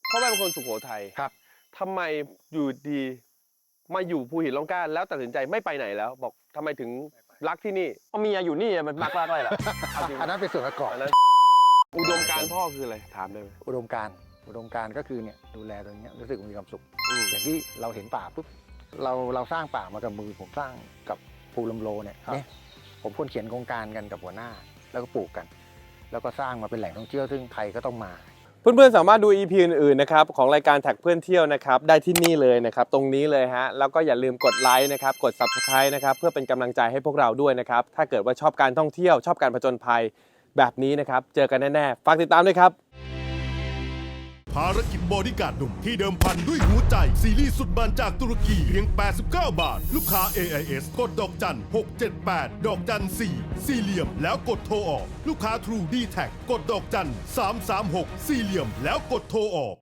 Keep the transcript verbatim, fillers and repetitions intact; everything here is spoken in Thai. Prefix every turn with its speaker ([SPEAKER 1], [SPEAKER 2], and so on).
[SPEAKER 1] พ่อแม่เป็นคนสุโขทัย
[SPEAKER 2] ครับ
[SPEAKER 1] ทำไมอยู่ดีมาอยู่ภูหินร่องกล้าแล้วตัดสินใจไม่ไปไหนแล้วบอกทำไมถึงรักที่นี่
[SPEAKER 3] เพราะเมียอยู่นี่มันมักรักอะไรล่ะ
[SPEAKER 2] อันนั้นเป็นส่วนประกอบ
[SPEAKER 1] อันนั้นอุดมการณ์พ่อคืออะไรถามได้ไหม
[SPEAKER 2] อุดมการณ์อุดมการณ์ก็คือเนี่ยดูแลตรงนี้รู้สึกมีความสุข
[SPEAKER 1] อืม
[SPEAKER 2] อย่างที่เราเห็นป่าปุ๊บเราเราสร้างป่ามากับมือผมสร้างกับภูลมโลเนี่ยเนี่ยผมคนเขียนโครงการกันกับหัวหน้าแล้วก็ปลูกกัน แล้วก็สร้างมาเป็นแหล่งท่องเที่ยวซึ่งใครก็ต้องมา
[SPEAKER 1] เพื่อนๆสามารถดู อี พี อื่นๆนะครับของรายการแท็กเพื่อนเที่ยวนะครับได้ที่นี่เลยนะครับตรงนี้เลยฮะแล้วก็อย่าลืมกดไลค์นะครับกด ซับสไครบ์ นะครับเพื่อเป็นกำลังใจให้พวกเราด้วยนะครับถ้าเกิดว่าชอบการท่องเที่ยวชอบการผจญภัยแบบนี้นะครับเจอกันแน่ๆฝากติดตามด้วยครับ
[SPEAKER 4] ภารกิจบอดี้การ์ดหนุ่มที่เดิมพันด้วยหัวใจซีรีส์สุดมันจากตุรกีเพียง แปดสิบเก้า บาท ลูกค้า เอ ไอ เอส กดดอกจัน หกเจ็ดแปด ดอกจัน สี่ สี่เหลี่ยมแล้วกดโทรออก ลูกค้า True ดี แท็ก กดดอกจัน สามสามหก สี่เหลี่ยมแล้วกดโทรออก